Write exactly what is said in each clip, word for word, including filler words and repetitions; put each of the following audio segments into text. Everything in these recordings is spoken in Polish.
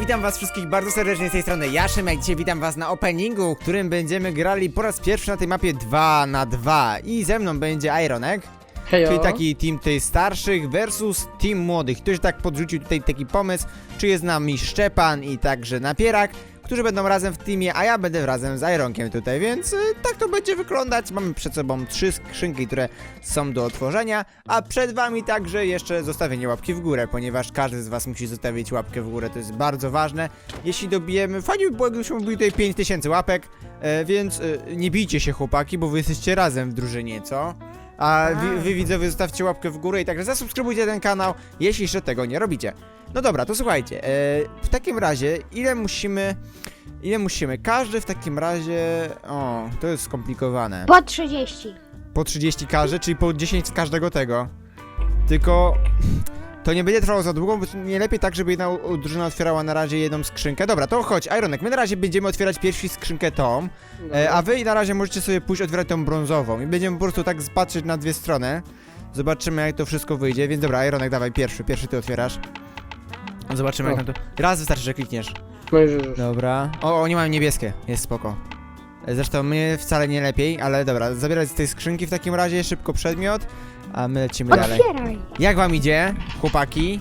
witam was wszystkich bardzo serdecznie z tej strony Jaszymek. Dzisiaj witam was na openingu, w którym będziemy grali po raz pierwszy na tej mapie dwa na dwa. I ze mną będzie Ironek, Hejo. czyli taki team tych starszych versus team młodych. Ktoś tak podrzucił tutaj taki pomysł, czy jest z nami Szczepan i także Napierak, którzy będą razem w teamie, a ja będę razem z Ironkiem tutaj, więc y, tak to będzie wyglądać. Mamy przed sobą trzy skrzynki, które są do otworzenia, a przed wami także jeszcze zostawienie łapki w górę, ponieważ każdy z was musi zostawić łapkę w górę, to jest bardzo ważne. Jeśli dobijemy, fajnie by było, gdybyśmy wbili tutaj pięć tysięcy łapek, e, więc e, nie bijcie się chłopaki, bo wy jesteście razem w drużynie, co? A wy, wy widzowie zostawcie łapkę w górę i także zasubskrybujcie ten kanał, jeśli jeszcze tego nie robicie. No dobra, to słuchajcie, e, w takim razie ile musimy, ile musimy, każdy w takim razie, o, to jest skomplikowane. Po trzydzieści. Po trzydzieści każdy, czyli po dziesięć z każdego tego. Tylko to nie będzie trwało za długo, bo nie lepiej tak, żeby jedna drużyna otwierała na razie jedną skrzynkę. Dobra, to chodź, Ironek, my na razie będziemy otwierać pierwsi skrzynkę tą, e, a wy na razie możecie sobie pójść otwierać tą brązową i będziemy po prostu tak patrzeć na dwie strony. Zobaczymy, jak to wszystko wyjdzie, więc dobra, Ironek, dawaj pierwszy, pierwszy ty otwierasz. Zobaczymy, jak O. nam to... Raz wystarczy, że klikniesz. No już, już. Dobra. O, oni mają niebieskie, jest spoko. Zresztą my wcale nie lepiej, ale dobra, zabierać z tej skrzynki w takim razie szybko przedmiot, a my lecimy dalej. Otwieraj. Jak wam idzie, chłopaki?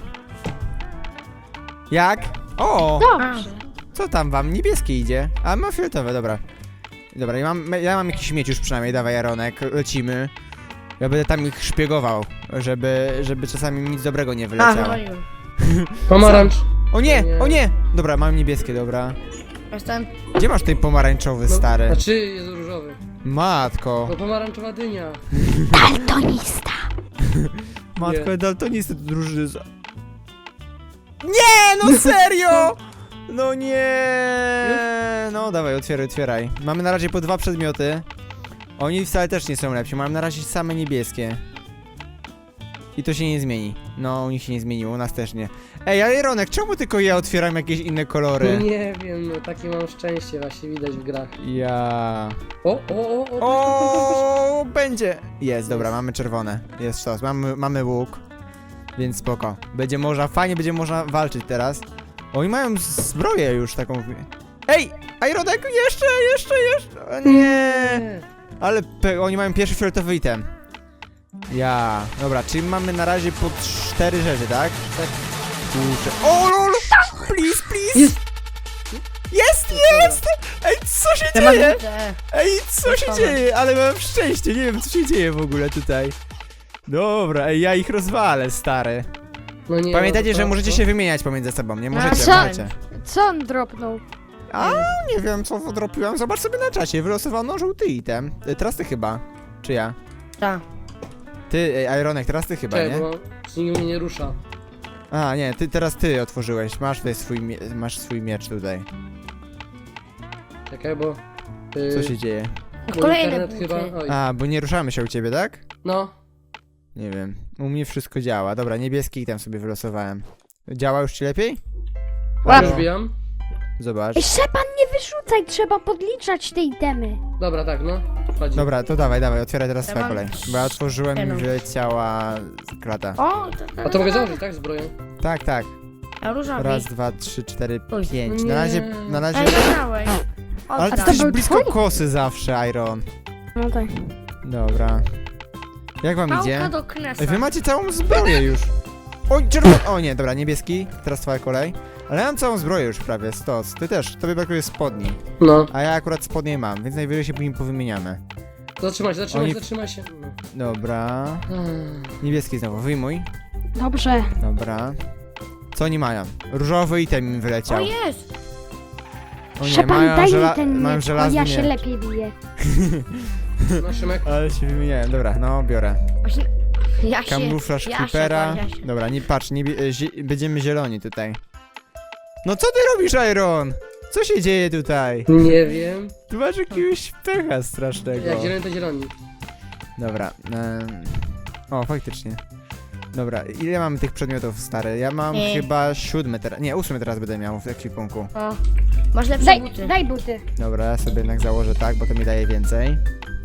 Jak? O! Dobrze. Co tam wam? Niebieskie idzie. A ma fioletowe, dobra. Dobra, ja mam, ja mam jakiś miecz już przynajmniej, dawaj Jaronek, lecimy. Ja będę tam ich szpiegował, żeby, żeby czasami nic dobrego nie wyleciało. Pomarańcz. O nie, Nie. o nie! Dobra, mam niebieskie, dobra. Jestem. Gdzie masz tej pomarańczowy, No, stary? Znaczy jest różowy. Matko. No pomarańczowa dynia. Daltonista. Matko, Nie. daltonisty to drużyny. z- Nie, no serio! No nie. No dawaj, otwieraj, otwieraj. Mamy na razie po dwa przedmioty. Oni wcale też nie są lepsi, mamy na razie same niebieskie. I to się nie zmieni. No, u nich się nie zmieniło, u nas też nie. Ej, ale Ronek, czemu tylko ja otwieram jakieś inne kolory? Nie wiem, no takie mam szczęście właśnie widać w grach. Ja. O, o, o, o, o, O, będzie. Jest, dobra, mamy czerwone. Jest sztos, mamy, mamy łuk. Więc spoko. Będzie można, fajnie będzie można walczyć teraz. Oni mają zbroję już taką. Ej! Ironek, jeszcze, jeszcze, jeszcze! O nie! Ale pe- oni mają pierwszy fioletowy item. Ja. Dobra, czyli mamy na razie po cztery rzeczy, tak? Tak. Kurczę. O lol! Please, please! Jest! Jest, jest! Ej, co się dzieje? Ej, co się dzieje? Ale mam szczęście, nie wiem co się dzieje w ogóle tutaj. Dobra, ej, ja ich rozwalę, stary. No nie, Pamiętajcie, no to- że możecie to- się wymieniać pomiędzy sobą, nie możecie, co? możecie. Co on dropnął? A, nie wiem co wydropiłem, zobacz sobie na czasie, wylosowano żółty item. Y, Teraz ty chyba, czy ja? Tak. Ty, ej, Ironek, teraz ty chyba, Czekaj, nie? bo nikt mnie nie rusza. A, nie, ty, teraz ty otworzyłeś, masz tutaj swój, mie- masz swój miecz tutaj. Czekaj, bo... Yy, Co się dzieje? bo Kolejne internet buty. chyba... Oj. A, bo nie ruszamy się u ciebie, tak? No. Nie wiem, u mnie wszystko działa. Dobra, niebieski item sobie wylosowałem. Działa już ci lepiej? Już bijam. Zobacz. Ej, Szczepan, nie wyrzucaj, trzeba podliczać te itemy. Dobra, tak, no. Chodź. Dobra, to dawaj, dawaj, otwieraj teraz Ja twoja mam kolej. Bo ja otworzyłem i jedną. wyleciała klata. O, to, A to mogę założyć, tak, zbroję? Tak, tak. A różowy. Raz, dwa, trzy, cztery, Oj, pięć. nie. Na razie, na razie... Ej, wygrałeś. Ale ty to jesteś był blisko twój? kosy zawsze, Iron. No tak. Dobra. Jak wam Pałka idzie? do knesa. Ej, wy macie całą zbroję już. Oj, czerwony. O nie, dobra, niebieski. Teraz twoja kolej. Ale ja mam całą zbroję już prawie, stos. Ty też, tobie brakuje spodni. No. A ja akurat spodnie mam, więc najwyżej się później powymieniamy. Zatrzymaj się, zatrzymaj Oni- się, zatrzymaj się. No. Dobra. Hmm. Niebieski znowu, wyjmuj. Dobrze. Dobra. Co oni mają? Różowy item im O, wyleciał. jest. O nie, Szczepan, mają, daj żela mi ten mają miecz, bo żelazny ja się miecz. lepiej biję. No, Szymek. Ale się wymieniałem, dobra, no biorę. Właśnie, ja się... Kamuflaż ja creepera. się, ja się. Dobra, nie patrz, nie, bie- e, zie będziemy zieloni tutaj. No co ty robisz, Iron? Co się dzieje tutaj? Nie wiem. Tu masz jakiegoś pecha strasznego. Jak zielony to zieloni. Dobra. em, O, faktycznie. Dobra, ile mamy tych przedmiotów, stary? Ja mam Nie. chyba siódmy teraz, nie, ósmy teraz będę miał w ekwipunku. O, masz lepsze Daj, buty. daj buty. Dobra, ja sobie jednak założę tak, bo to mi daje więcej.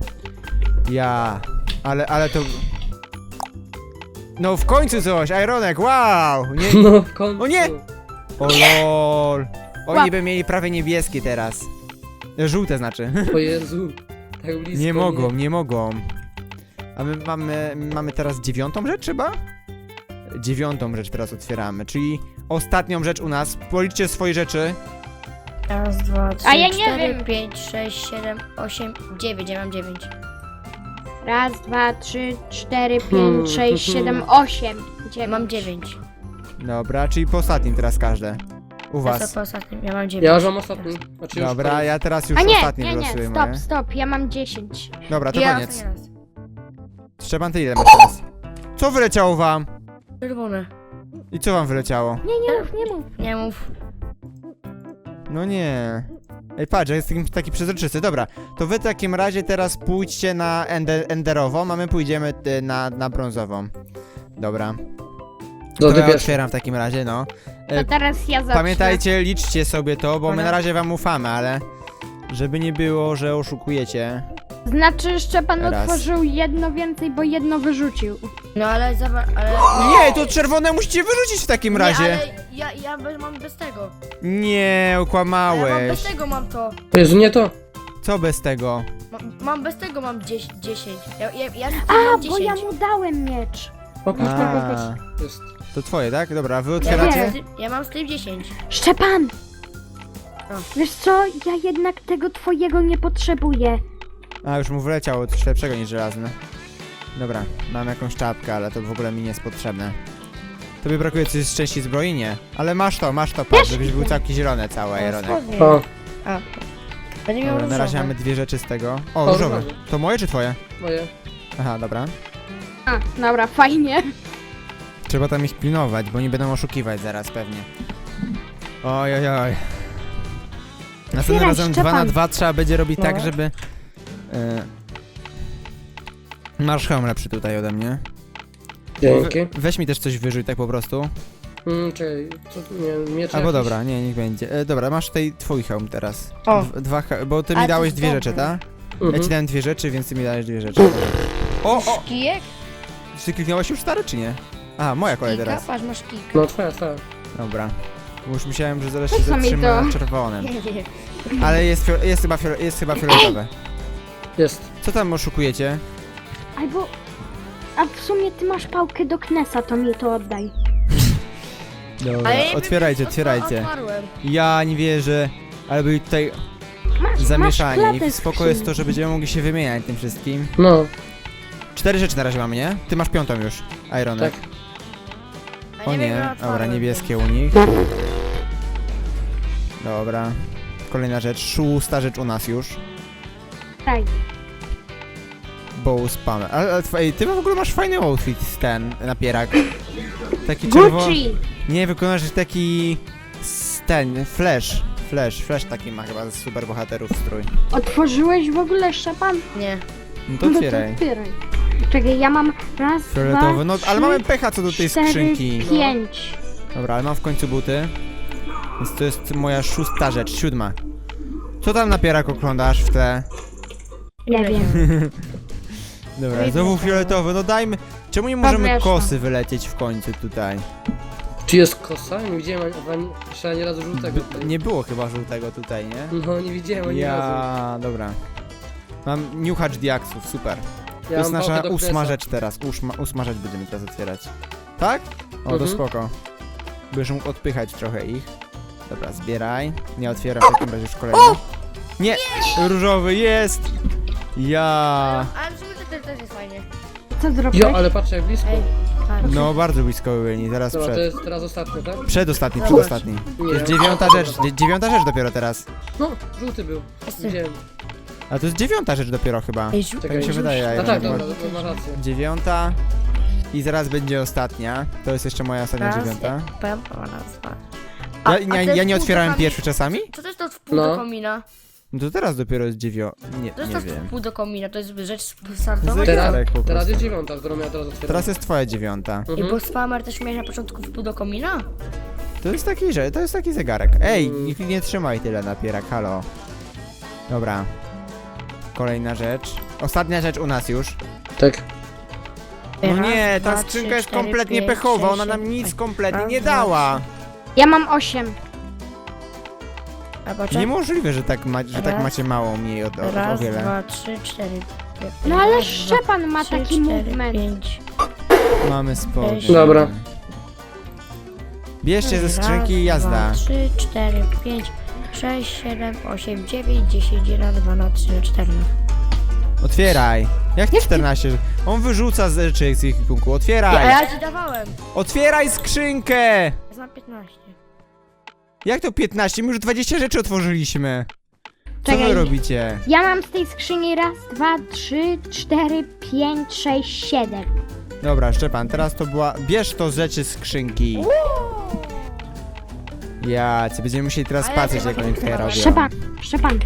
Ja, ale, ale to... No w końcu coś, Ironek, wow! Nie, No w końcu. O nie! O lol. Oni Łap. by mieli prawie niebieskie teraz. Żółte znaczy. O Jezu. Tak blisko. Nie mogą, nie mogą. A my mamy, mamy teraz dziewiątą rzecz chyba? Dziewiątą rzecz teraz otwieramy, czyli ostatnią rzecz u nas. Policzcie swoje rzeczy. Raz, dwa, trzy, A ja nie cztery, wiem. pięć, sześć, siedem, osiem, dziewięć. Ja mam dziewięć. Raz, dwa, trzy, cztery, Hmm. pięć, sześć, siedem, osiem, Ja dziewięć. mam dziewięć. Dobra, czyli po ostatnim teraz każde. U Ja was. po ostatnim. Ja mam dziewięć. Ja już mam ostatni. Znaczy już Dobra, koniec. ja teraz już A nie, ostatnie nie, nie, wylosuję stop, moje. stop, ja mam dziesięć. Dobra, to ja koniec. ostatni raz. Szczepan, ty ile masz teraz? Co wyleciało wam? Czerwone. I co wam wyleciało? Nie, nie mów, nie mów. Nie mów. No nie. Ej, patrz, jest taki, taki przezroczysty. Dobra, to wy w takim razie teraz pójdźcie na ender, enderową, a my pójdziemy y, na, na brązową. Dobra. Do To ty ja pierwszy. otwieram w takim razie, no. To E, teraz ja zacznę. Pamiętajcie, liczcie sobie to, bo my Dobra. na razie wam ufamy, ale... Żeby nie było, że oszukujecie. Znaczy, Szczepan Raz. otworzył jedno więcej, bo jedno wyrzucił. No ale zobacz, ale... Nie, to czerwone musicie wyrzucić w takim razie. Nie, ale ja, ja bez, mam bez tego. Nie, A ja mam bez okłamałeś. tego mam to. O Jezu, nie to. Co bez tego? Mam, mam bez tego mam dziesięć. dziesięć. Ja, ja, ja A, mam bo ja dziesięć. mu dałem miecz. Popatrz, A, popatrz. Jest. to twoje, tak? Dobra, wy Ja mam, otwieracie? Nie. ja mam z tym dziesięć. Szczepan! No. Wiesz co, ja jednak tego twojego nie potrzebuję. A, już mu wyleciało coś lepszego niż żelazne. Dobra, mam jakąś czapkę, ale to w ogóle mi nie jest potrzebne. Tobie brakuje coś z części zbroi? Nie. Ale masz to, masz to, patrz, żebyś był całki zielony cały, Ironek. Spodnie. O, A. Będzie miał Dobra, na razie różowe. mamy dwie rzeczy z tego. O, O, różowe. różowe. To moje czy twoje? moje. Aha, dobra. A, dobra, fajnie. Trzeba tam ich pilnować, bo nie będą oszukiwać zaraz pewnie. Oj, oj, oj. Następnym Otwieraj, razem dwa na Szczepan. dwa trzeba będzie robić No. tak, żeby... E, masz hełm lepszy tutaj ode mnie. Dzięki. We, weź mi też coś wyrzuć tak po prostu. Mm, czekaj, co, nie, miecz Albo jakiś? dobra, nie, niech będzie. E, dobra, masz tutaj twój hełm teraz. O. Dw- Dwa, he- bo ty A, mi to dałeś jest dwie dobre. rzeczy, tak? Ja Mhm. ci dałem dwie rzeczy, więc ty mi dałeś dwie rzeczy. O, o! Kijek? Czy kliknąłeś już stary, czy nie? A, moja kolej Kika? teraz. Patrz, masz kik. No twoja, twoja. Dobra. Bo już myślałem, że zaraz się Po co mi zatrzyma to? na czerwonym. Nie, nie. Ale jest, fio- jest, chyba, fiole- jest chyba fioletowe. Jest. Co tam oszukujecie? Albo... A w sumie ty masz pałkę do Knesa, to mi to oddaj. Dobra, Ale ja bym- otwierajcie, otwa- otwierajcie. Otwarłem. Ja nie wierzę, ale byli tutaj Masz, zamieszani. masz I klatę spoko jest to, skrzyni. że będziemy mogli się wymieniać tym wszystkim. No, Cztery rzeczy na razie mamy, nie? Ty masz piątą już, Ironek. tak. A O wiem, nie, ja dobra, otwarłem, niebieskie u nich. Dobra. Kolejna rzecz, szósta rzecz u nas już. Daj. Bow spammer. Ale, ale twoje- ty w ogóle masz fajny outfit z ten napierak. Taki czerwony. Gucci! Nie, wykonasz taki... s- ten, flash. Flash, flash taki ma chyba z super bohaterów strój. Otworzyłeś w ogóle, Szczepan? Nie. No to No to otwieraj. otwieraj. Czekaj, ja mam raz, Fioletowy, dwa, no trzy, ale mamy pecha co do tej cztery, skrzynki. pięć. Dobra, ale mam w końcu buty. Więc to jest moja szósta rzecz, siódma. Co tam napierak oglądasz w tle? Nie wiem. Dobra, znowu fioletowy, no dajmy... Czemu nie możemy Podwieszam. kosy wylecieć w końcu tutaj? Czy jest kosa? Nie widziałem ani, ani, jeszcze ani razu żółtego tutaj. Nie było chyba żółtego tutaj, nie? No, nie widziałem ani razu. Ja, dobra. Mam niuchacz diaksów, super. To Ja jest mam nasza pałkę do ósma Knesa. rzecz teraz. Ósma, ósma rzecz będziemy teraz otwierać. Tak? O, to Mhm. spoko. Będziesz mógł odpychać trochę ich. Dobra, zbieraj. Nie otwieram w takim razie już kolejny. Nie! Różowy jest! Ja. Ale w sumie to też- też jest fajnie. Co zrobiłeś? Jo, ale patrz jak blisko. Ej, patrz. No, bardzo blisko byli, zaraz Dobra, to przed. jest teraz ostatni, tak? Przedostatni, Zobacz. przedostatni. To Nie. jest dziewiąta rzecz, dzie- dziewiąta rzecz dopiero teraz. No, żółty był. Jest- Widziałem. A to jest dziewiąta rzecz dopiero chyba. Ej, żółty. Tak mi się wydaje, A Iron. tak, bo- dobra, to masz rację. Dziewiąta. I zaraz będzie ostatnia. To jest jeszcze moja ostatnia Raz, dziewiąta. Pam, pam, raz, dwa. Ja, A- a ja, to ja jest nie pół otwierałem do komi- pierwszy czasami? Co to jest to w pół No. do komina? No to teraz dopiero jest dziewią... Nie, To jest nie to wiem. w pół do komina, to jest rzecz startowa. Zegarek Teraz, po teraz prostu. jest dziewiąta, którą ja teraz otwieram. Teraz jest twoja dziewiąta. I Mhm. bo spammer też miałeś na początku w pół do komina? To jest taki, że to jest taki zegarek. Ej, Mm. nikt nie trzymaj tyle napierak, halo. Dobra. Kolejna rzecz. Ostatnia rzecz u nas już. Tak. No Raz, nie, ta dwa, skrzynka trzy, jest cztery, kompletnie pięć, pechowa, sześć, ona nam siedem, nic osiem. kompletnie Raz, nie dwa, dała. Ja mam osiem. A poczekaj. Niemożliwe, że tak, ma, że tak Raz. macie mało mniej od, od, o Raz, wiele. dwa, trzy, cztery. No ale Raz, Szczepan ma trzy, taki cztery, movement. pięć. Mamy spokój. Dobra. Bierzcie ze skrzynki i Raz, jazda. dwa, trzy, cztery, pięć, sześć, siedem, osiem, dziewięć, dziesięć, jeden, dwa, na trzy, cztery. Otwieraj. Jak to czternaście? On wyrzuca z rzeczy z ich punku. Ja, Otwieraj. ja ci dawałem. Otwieraj skrzynkę. Ja znam piętnaście. Jak to piętnaście? My już dwadzieścia rzeczy otworzyliśmy. Co Czekaj. wy robicie? Ja mam z tej skrzyni raz, dwa, trzy, cztery, pięć, sześć, siedem. Dobra, Szczepan, teraz to była... Bierz to z rzeczy z skrzynki. Ja, co będziemy musieli teraz Ale patrzeć, ja jak nie oni tutaj mam. robią. Szczepan, Szczepan.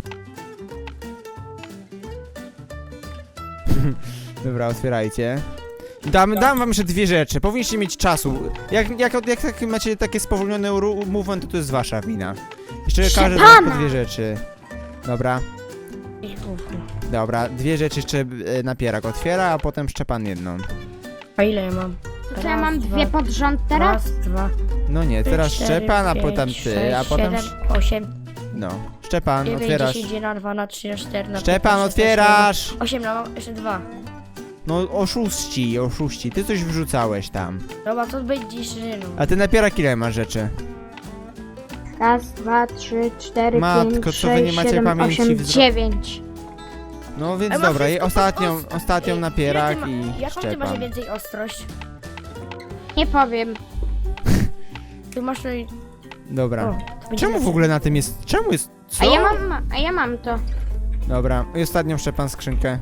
Dobra, otwierajcie. Dam, dam wam jeszcze dwie rzeczy. Powinniście mieć czasu. Jak, jak, jak, jak macie takie spowolnione ru- movement, to to jest wasza wina. Jeszcze każdy z was po Szczepana! dwie rzeczy. Dobra, Ich gówno. dobra. Dwie rzeczy jeszcze e, napierak otwiera, a potem Szczepan jedną. A ile ja mam? To ja Raz, mam dwa, dwie pod rząd teraz? Raz, dwa, No nie, teraz trzy, Szczepan, a pięć, potem ty, sześć, a potem... siedem, osiem, No. Szczepan, dziewięć, otwierasz. dziesięć, jeden, dwa, na trzy, na cztery, na Szczepan, pięć, otwierasz! osiem, no mam jeszcze dwa. No oszuści, oszuści. Ty coś wrzucałeś tam. Dobra, to będzie jeszcze jedno. A ty napierak ile masz rzeczy? Raz, dwa, trzy, cztery, Matko, pięć, co wy sześć, nie macie siedem, pamięci osiem, wzro- dziewięć. No więc A ma dobra, i wszystko ostatnią, pod os- ostatnią Ej, napierak ile ty ma- i Jaką ty masz Szczepan. więcej ostrość? Nie powiem. Ty masz tutaj... Dobra. O, to będzie Czemu w lepsze. ogóle na tym jest... Czemu jest... Co? A ja mam, a ja mam to. Dobra, i ostatnią Szczepan skrzynkę.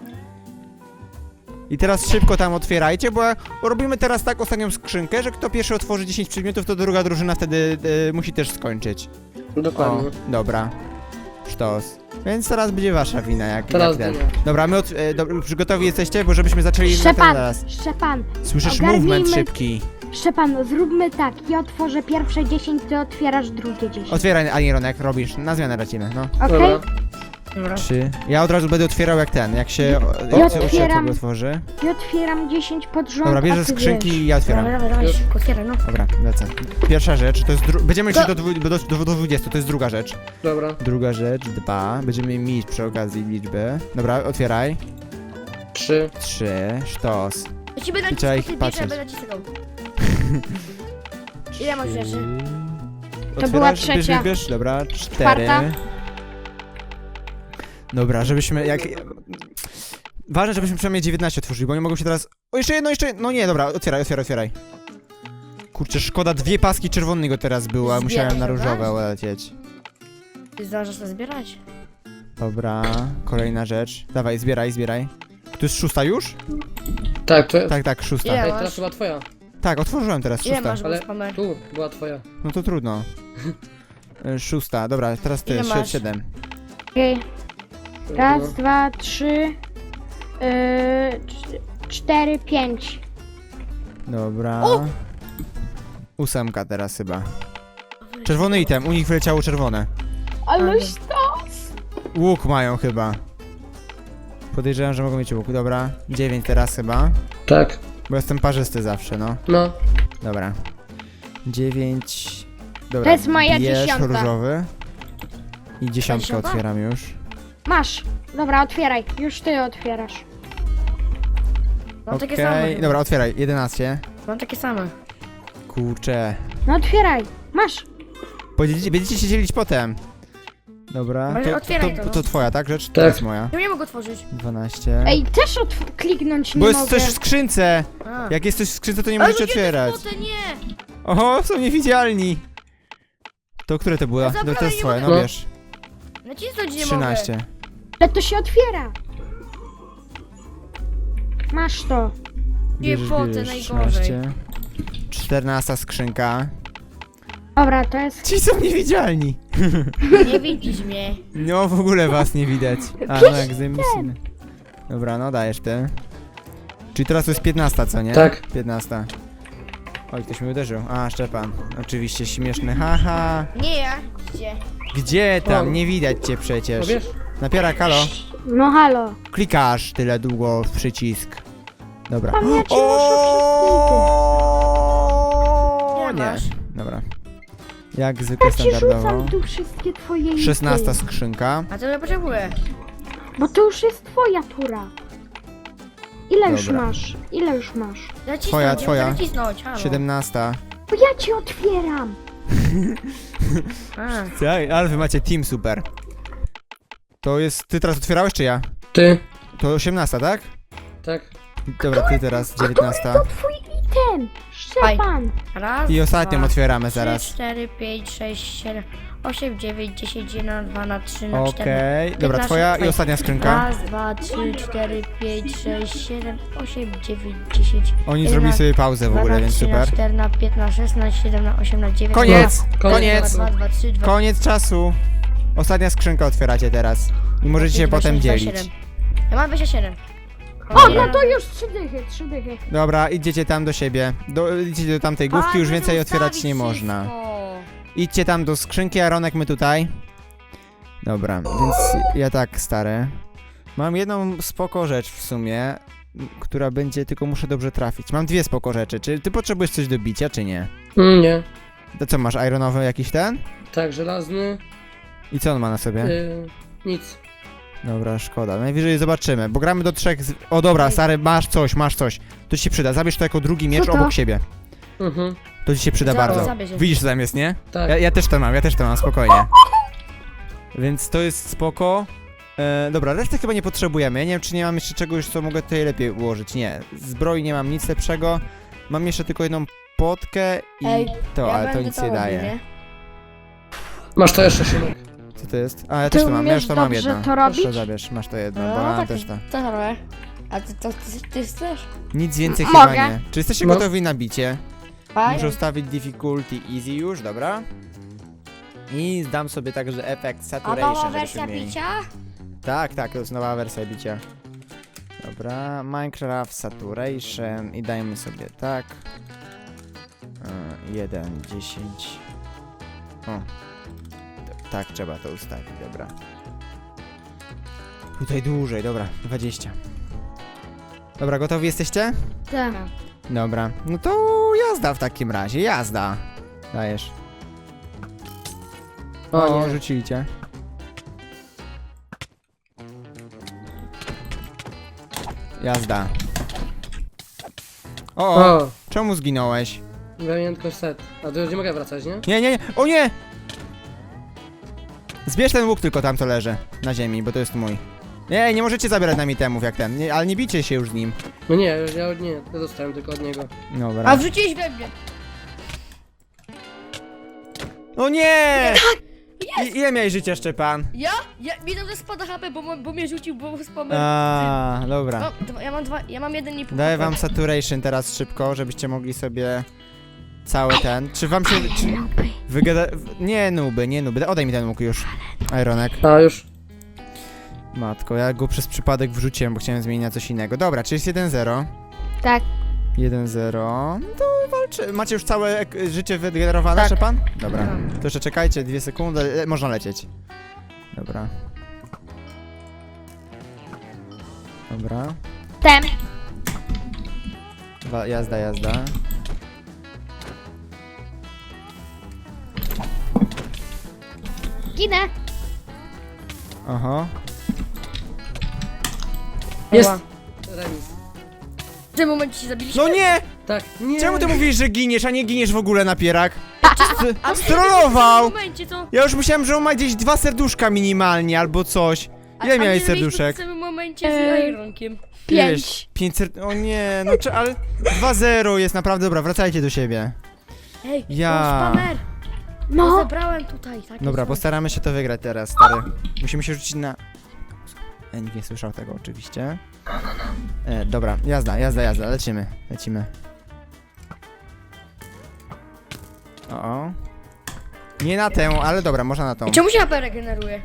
I teraz szybko tam otwierajcie, bo bo robimy teraz tak ostatnią skrzynkę, że kto pierwszy otworzy dziesięć przedmiotów, to druga drużyna wtedy e, musi też skończyć. O, Dokładnie. dobra. Sztos. Więc teraz będzie wasza wina, jak, Teraz jak ten. dynia. Dobra, my od, e, do, już gotowi jesteście, bo żebyśmy zaczęli na ten Szczepan, zaraz. Szczepan, Słyszysz ogarnijmy- movement szybki. Szczepan, zróbmy tak. Ja otworzę pierwsze dziesięć, ty otwierasz drugie dziesięć. Otwieraj, Anironek, robisz. Na zmianę lecimy, no. Okej? Dobra. Dobra. Trzy. Ja od razu będę otwierał jak ten, jak się... Ja jak się otwieram. sobie otworzy. Ja otwieram dziesięć pod rząd, Dobra, a bierzesz ty skrzynki wiesz. i ja otwieram. Dawaj, dawaj, dawaj, Już. szybko otwieraj, no. Dobra, lecę. Pierwsza rzecz, to jest dru... Będziemy szli To- do, dwu... do, do, do dwudziestu, to jest druga rzecz. Dobra. Druga rzecz, dwa. Będziemy mieć przy okazji liczby. Dobra, otwieraj. Trzy. Trzy, sztos. Ja ci będę I trzeba naciskał, ich ty bierz, patrzeć. ja będę naciskał. Ile masz rzeczy? Otwierasz, była Bierz, trzecia. bierz, bierz, dobra, cztery. Czwarta. Dobra, żebyśmy jak... Ważne, żebyśmy przynajmniej dziewiętnaście otworzyli, bo nie mogą się teraz... O, jeszcze jedno, jeszcze... No nie, dobra, otwieraj, otwieraj, otwieraj. Kurczę, szkoda, dwie paski czerwonego teraz było, a musiałem na Zbierać, różowe dobra? lecieć. Ty zdążysz to zbierać? Dobra, kolejna rzecz. Dawaj, zbieraj, zbieraj. To jest szósta już? Tak, to... Tak, tak, szósta. Ile? Ej, masz? teraz chyba twoja. Tak, otworzyłem teraz, Ile szósta. masz Ale spamer? tu była twoja. No to trudno. Y, Szósta, dobra, teraz ty, Ile si- masz? siedem. Okej. Raz, No. dwa, trzy, yy, cz- cztery, pięć. Dobra. Ósemka teraz chyba. Czerwony item, u nich wyleciało czerwone. Aleś to. Łuk mają chyba. Podejrzewam, że mogą mieć łuk, dobra. Dziewięć teraz chyba. Tak. Bo jestem parzysty zawsze, no. No. Dobra. Dziewięć. Dobra, To jest moja bierz dziesiąta. różowy. I dziesiątkę Dziesiąta? otwieram już. Masz. Dobra, otwieraj. Już ty otwierasz. Mam takie Okej, same. chyba. dobra, otwieraj. jedenaście. Mam takie same. Kurczę. No otwieraj. Masz. Będziecie, będziecie się dzielić potem. Dobra, Ale to, to, otwieraj to, to, to no. twoja, tak? Rzecz? To Tak. jest moja. Ja nie mogę otworzyć. dwanaście. Ej, też otw- kliknąć nie Bo jest mogę. coś w skrzynce. A. Jak jest coś w skrzynce, to nie Ale możecie ludzie, te otwierać. złote, nie! Oho, są niewidzialni. To które to było? No No, zabrałem, to jest nie twoje, no mogę. wiesz. Nacisnąć nie trzynaście. mogę. Ale to się otwiera. Masz to. Bierzesz, poty, bierzesz, najgorzej. trzynaście. czternasta skrzynka. Dobra, to jest... Ci są niewidzialni. Nie widzisz mnie. No w ogóle was nie widać. A no jak zajmujemy. Dobra, no dajesz ty. Czyli teraz to jest piętnasta, co nie? Tak. piętnasta. Oj, ktoś mnie uderzył. A, Szczepan. Oczywiście śmieszny. Haha. Nie ja. Gdzie? Gdzie tam? O. Nie widać cię No przecież. wiesz? Napierak, halo. No halo. Klikasz tyle długo w przycisk. Dobra. Pamięci O Ile nie. masz? Dobra. Jak zwykle Ja ci standardowo. rzucam tu wszystkie twoje szesnasta ity. skrzynka. A co ja potrzebuję? Bo to już jest twoja tura. Ile już Dobra. masz? Ile już masz? Zacisnąć, Twoja, ja twoja. muszę nacisnąć, halo. siedemnasta. Bo ja ci otwieram. A, Tak, ale wy macie team super. To jest... Ty teraz otwierałeś, czy ja? Ty. To osiemnasta, tak? Tak. Dobra, ty teraz dziewiętnasta. To twój item. Szczepan. raz, I ostatnią dwa, otwieramy trzy, zaraz. cztery, pięć, sześć, siedem, osiem, dziewięć, dziesięć, jeden, dwa, na trzy, na cztery. Okej, dobra, piętnaście, twoja i twoja. ostatnia skrzynka. Raz, dwa, trzy, cztery, pięć, sześć, siedem, osiem, dziewięć, dziesięć. Oni zrobili sobie pauzę w ogóle, więc trzy, super. cztery, na pięć, na sześć, na siedem, na osiem, na dziewięć. Koniec! Koniec. Koniec! dwa, dwa, trzy, dwa, Koniec czasu. Ostatnia skrzynka otwieracie teraz. I możecie się dwa, potem sześć, dwa, dzielić. siedem. Ja mam dwadzieścia siedem. O, no to już trzy dychy, trzy dychy. Dobra, idziecie tam do siebie. Do, idźcie do tamtej główki, już więcej otwierać nie można. Idźcie tam do skrzynki, a Ronek my tutaj. Dobra, więc ja tak, stary. Mam jedną spoko rzecz w sumie, m, która będzie, tylko muszę dobrze trafić. Mam dwie spoko rzeczy. Czy ty potrzebujesz coś do bicia, czy nie? Mm, nie. To co, masz ironowy jakiś ten? Tak, żelazny. I co on ma na sobie? Y, nic. Dobra, szkoda. Najwyżej zobaczymy, bo gramy do trzech z... O dobra, stary, masz coś, masz coś. To ci się przyda. Zabierz to jako drugi miecz Co to? obok siebie. Mhm. To ci się przyda Zaraz, bardzo. zabierz je. Widzisz, co tam jest, nie? Tak. Ja, ja też to mam, ja też to mam, spokojnie. Więc to jest spoko. E, dobra, reszty chyba nie potrzebujemy. Ja nie wiem, czy nie mam jeszcze czegoś, co mogę tutaj lepiej ułożyć. Nie, zbroi nie mam nic lepszego. Mam jeszcze tylko jedną potkę i Ej, to, ja ale to będę nic to nie robił, daje. nie? Masz to jeszcze, Szymek. Co to jest? A, ja Ty też to mam, ja już umiesz to mam dobrze jedno. to robić? Proszę, zabierz, masz to jedno, No, bo mam tak, też to. Co to robię? A ty, to, ty, ty chcesz? Nic więcej Mogę. chyba nie. Czy jesteście No. gotowi na bicie? Fajnie. Muszę ustawić difficulty easy już, dobra? I zdam sobie także efekt A nowa saturation, wersja żebyśmy mieli. bicia? Tak, tak, to jest nowa wersja bicia. Dobra, Minecraft Saturation i dajmy sobie tak. jeden, dziesięć. O. T- Tak, trzeba to ustawić, dobra. Tutaj dłużej, dobra, dwadzieścia. Dobra, gotowi jesteście? Tak. Dobra, no to jazda w takim razie, jazda. Dajesz. O, nie. rzucili cię. Jazda. O, o, O, czemu zginąłeś? miałem tylko set. A tu już nie mogę wracać, nie? Nie, nie, nie, o nie! Zbierz ten łuk tylko tam, co leży na ziemi, bo to jest mój. Nie, nie możecie zabierać nam itemów jak ten, nie, ale nie bijcie się już z nim. No nie, już ja nie, ja dostałem tylko od niego. Dobra. A wrzuciłeś we mnie. O nie! I, ile miałeś życia, Szczepan? Ja? Ja mi tam spada H P, bo, mo- bo mnie rzucił, bo spamem. A, dobra. No, dwa, ja mam dwa, ja mam jeden i pół. Daję H P. wam saturation teraz szybko, żebyście mogli sobie cały ten. Czy wam się. Czy wygada. w- Nie nuby, nie nuby. Odej mi ten łuk już. Ironek. A, już. Matko, ja go przez przypadek wrzuciłem, bo chciałem zmienić na coś innego. Dobra, czy jest jeden zero? Tak. jeden zero. No to walczy. Macie już całe ek- życie wygenerowane, Tak. Szczepan? Dobra. Mam. To jeszcze czekajcie, dwie sekundy. Le można lecieć. Dobra. Dobra. Ten. Wa- jazda, jazda. Ginę. Aha. Jest! Ała. Remis. W tym momencie się zabiliśmy. No nie! Tak, nie! Czemu ty mówisz, że giniesz, a nie giniesz w ogóle, napierak? A St- Strollował! W tym momencie co? Ja już myślałem, że on ma gdzieś dwa serduszka minimalnie, albo coś. Ile A- a miałeś nie byliśmy serduszek? W tym momencie Eee. z Ironkiem. Pięć. Pięć ser... O nie, no czy, ale dwa zero jest naprawdę, dobra, wracajcie do siebie. Ej, Ja. ja. spamer. No. No. Zabrałem tutaj. Tak Dobra, jest. postaramy się to wygrać teraz, stary. Musimy się rzucić na... E, nikt nie słyszał tego oczywiście. E, dobra, jazda, jazda, jazda, lecimy, lecimy. O, o. Nie na tę, ale dobra, można na tą. I czemu się H P regeneruje?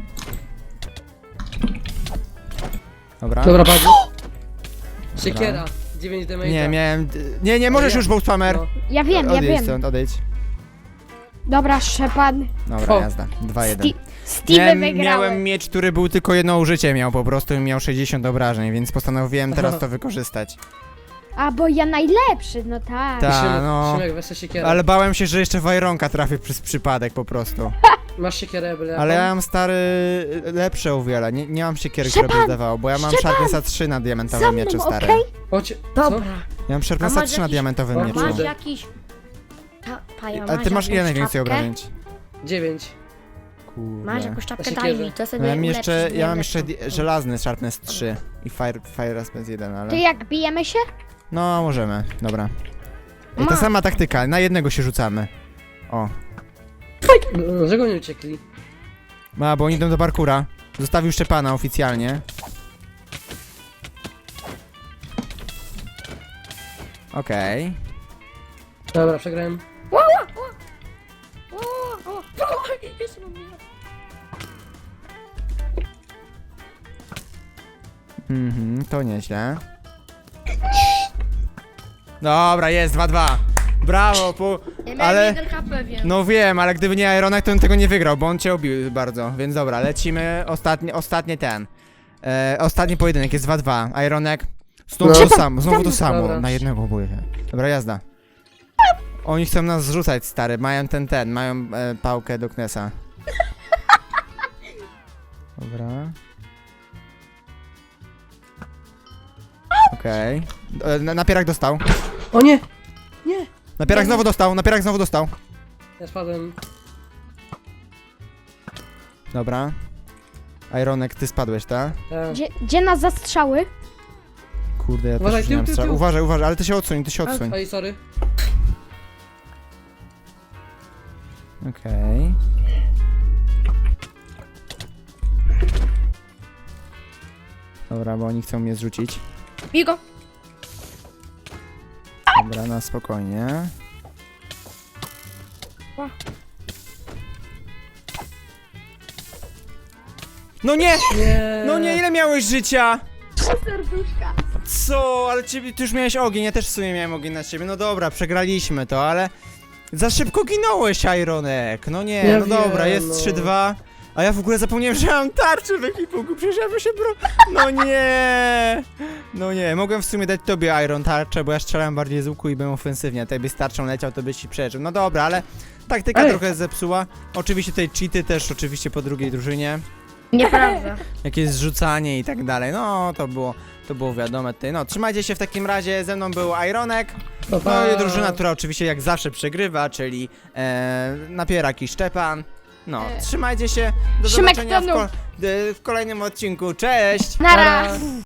Dobra. Dobra, padł. Siekiera. dziewięć damage'a. Nie, miałem... Nie, nie, możesz ja- już, Bolt Spammer. No. Ja wiem, ja Odejdź wiem. stąd, odejdź. Dobra, Szczepan. Dobra, O. jazda, dwa jeden. Sti- Steve Miałem, wygrałem. miałem miecz, który był tylko jedno użycie miał po prostu i miał sześćdziesiąt obrażeń, więc postanowiłem teraz to wykorzystać. A, bo ja najlepszy, no tak. Ta, Szymek, no. Szymek, weź sobie siekierę. Ale bałem się, że jeszcze w Ironka trafię przez przypadek po prostu. Masz siekierę, byle Ale ja jaką? mam stary lepsze o wiele. Nie, nie mam siekiery, które by Szczepan! zdawało, bo ja mam Szczepan! Sharpnessa trzy na Za diamentowym mną, mieczu, stary. okej? Chodź, Dobra. Ja mam A Sharpnessa masz trzy na jakiś- diamentowym O, mieczu. Masz kurde. jakiś... Ta, paja, Ale ty masz ile jakąś najwięcej czapkę? obrażeń? co? Dziewięć. Kurde. Masz jakąś czapkę, Ja daj siekierę. mi, to Ja sobie mam jeszcze, ulepszysz ja mam mnie jeszcze lepszą. di- żelazny Sharpness trzy i Fire, Fire Response jeden, To ale... jak bijemy się? No, możemy, dobra. I ta Ma. sama taktyka, na jednego się rzucamy. O. No, dlaczego nie uciekli? Ma, bo oni idą do parkura. Zostawił Szczepana oficjalnie. Okej. Dobra, przegrałem. O, o, o, jeszcze mam minutę. Mhm, to nieźle. Dobra, jest, dwa dwa. Brawo, po... Ja miałem Ale... jeden H P, wiem. No wiem, ale gdyby nie Ironek, to bym tego nie wygrał, bo on cię obił bardzo. Więc dobra, lecimy. Ostatni, ostatni ten. E, ostatni pojedynek jest dwa dwa. Ironek. Znowu No. to samo, znowu to samo. Dobra. Na jednego boję się. Dobra, jazda. Oni chcą nas zrzucać, stary. Mają ten, ten. Mają e, pałkę do Knesa. Dobra. Okej. Okay. Na, napierak dostał. O nie! Nie! Napierak znowu dostał, napierak znowu dostał. Ja spadłem. Dobra. Ironek, ty spadłeś, tak? Tak. Gdzie, gdzie nas zastrzały? Kurde, ja Uważaj, też już nie tył, mam tył, strzał. tył. Uważaj, uważaj, ale ty się odsuń, ty się odsuń. Oj, sorry. Okej. Dobra, bo oni chcą mnie zrzucić. Bij go. Dobra, na spokojnie. No nie! Nie! No nie, ile miałeś życia? Serduszka. Co? Ale ciebie, ty już miałeś ogień, ja też w sumie miałem ogień na ciebie. No dobra, przegraliśmy to, ale... Za szybko ginąłeś, Ironek. No nie, Ja no dobra, wiem, jest no. trzy dwa. A ja w ogóle zapomniałem, że mam tarczę w ekipunku, przecież ja bym się bro... No nie! No nie, mogłem w sumie dać tobie Iron tarczę, bo ja strzelałem bardziej z łuku i byłem ofensywnie. A tutaj byś z tarczą leciał, to byś ci przeżył. No dobra, ale taktyka Ej. trochę zepsuła. Oczywiście tutaj cheaty też, oczywiście po drugiej drużynie. Nieprawda. Jakieś zrzucanie i tak dalej. No, to było, to było wiadome tutaj. No, trzymajcie się w takim razie. Ze mną był Ironek. Pa, pa. No i drużyna, która oczywiście jak zawsze przegrywa, czyli e, Napierak i Szczepan. No, E. trzymajcie się. Do Szymek zobaczenia w, tonął. ko- w kolejnym odcinku. Cześć! Nara! Nara.